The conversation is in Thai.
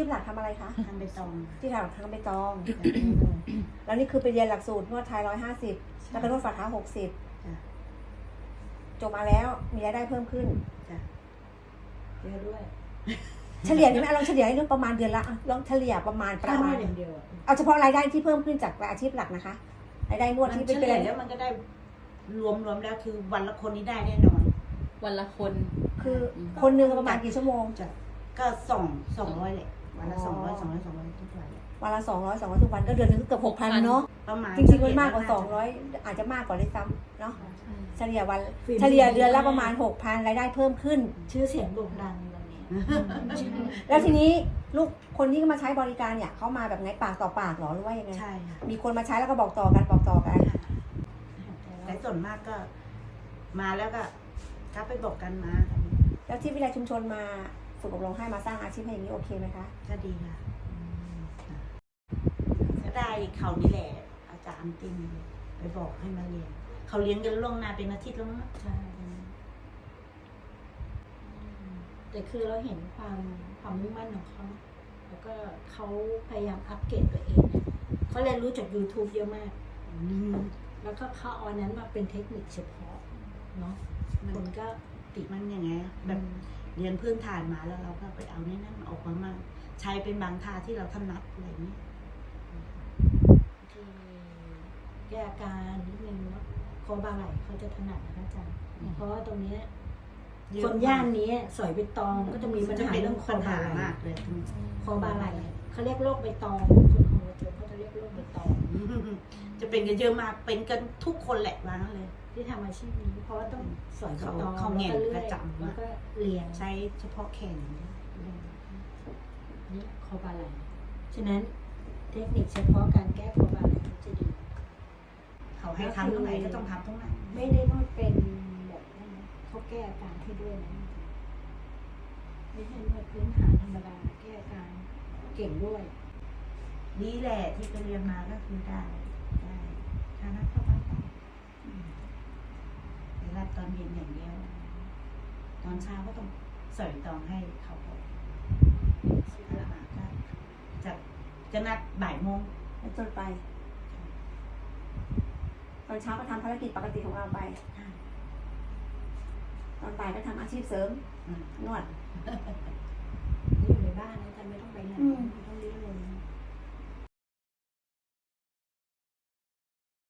พหลักทำอะไรคะทำใบตองที่ทำใบตอง แล้วนี่คือไปเรียนหลักสูตรนวดไทย150แล้วก็นวดฝ่าเท้า60จบมาแล้วมีรายได้เพิ่มขึ้นเยอะด้วยเฉลี่ยนี่ไหมลองเฉลี่ยให้ดูประมาณเดือนละลองเฉลี่ยประมาณค่านวดอย่างเดียวเอาเฉพาะรายได้ที่เพิ่มขึ้นจากอาชีพหลักนะคะรายได้นวดมันที่เฉเป็นลี่ยแล้วมันก็ได้รวมแล้วคือวันละคนนี้ได้แน่นอนวันละคนคือคนหนึ่งประมาณกี่ชั่วโมงก็200แหละวันละ200ทุกวันวันละ200ทุกวันก็เดือนนึงก็เกือบ6,000เนาะประมาณจริงๆมันมากกว่า200อาจจะมากกว่าด้วยซ้ำเนาะเฉลี่ยวันเฉลี่ยเดือนละประมาณ 6,000รายได้เพิ่มขึ้นชื่อเสียงโด่งดังตรงนี้แล้วทีนี้ลูกคนที่มาใช้บริการเนี่ยเขามาแบบไงปากต่อปากหรอหรือว่ายังไงใช่ค่ะมีคนมาใช้แล้วก็บอกต่อกันแต่ส่วนมากก็มาแล้วก็ไปบอกกันมาแล้วที่วิทยาลัยชุมชนมาฝึกอบรมให้มาสร้างอาชีพให้อย่างนี้โอเคไหมคะก็ดีค่ะก็ได้เขานี่แหละอาจารย์ตินไปบอกให้มาเรียนเขาเลี้ยงกันล่วงหน้าเป็นอาทิตย์แล้วมั้งใช่แต่คือเราเห็นความมุ่งมั่นของเขาแล้วก็เขาพยายามอัปเกรดตัวเองเนี่ยเขาเรียนรู้จาก YouTube เยอะมาก แล้วก็เขาเอาอันนั้นมาเป็นเทคนิคเฉพาะเนาะคนก็ติดมันยังไงแบบเรียนพื้นฐานมาแล้วเราก็ไปเอานี่นั่นออกมาใช้เป็นบางท่าที่เราถนัดอะไรอย่างนี้ที่แก้อาการนิดนึงเนาะคอบาไหลเขาจะถนัดนะคะอาจารย์เพราะว่าตรงนี้คนย่านนี้สอยใบตองก็จะมีปัญหาเรื่องคอปัญบาหาไหลมากเลยคอบาไหลเขาเรียกโรคใบตองคนของเราเจอเขาจะเรียกโรคใบตองจะเป็นกันเยอะมากเป็นกันทุกคนแหละว่างั้นเลยที่ทำอาชีพนี้เพราะว่าต้องสอยใบตองเขาแง่แล้วก็เลื่อยประจำแล้วก็เรียงใช้เฉพาะแขนนี่คอบาไหลฉะนั้นเทคนิคเฉพาะการแก้คอบาไหลจะดีเขาให้ทำตรงไหนก็ต้องทำตรงนั้นไม่ได้นวดเป็นแบบนั้นนะเขาแก้อาการให้ด้วยนะไม่ใช่นวดพื้นฐานธรรมดาแก้อาการเก่งด้วยนี่แหละที่ไปเรียนมาก็คือได้คณะเข้าบ้านได้แต่รับตอนเย็นอย่างเดียว ตอนเช้าก็ต้องสอยตองให้เขาก่อนถ้ามาก็จะนัดบ่ายโมงแล้วจนไปตอนเช้าก็ทำภารกิจปกติของเราไปตอนบ่ายก็ทำอาชีพเสริมนวดอยู่ในบ้านนะอาจารย์ไม่ต้องไปไหนไม่ต้อง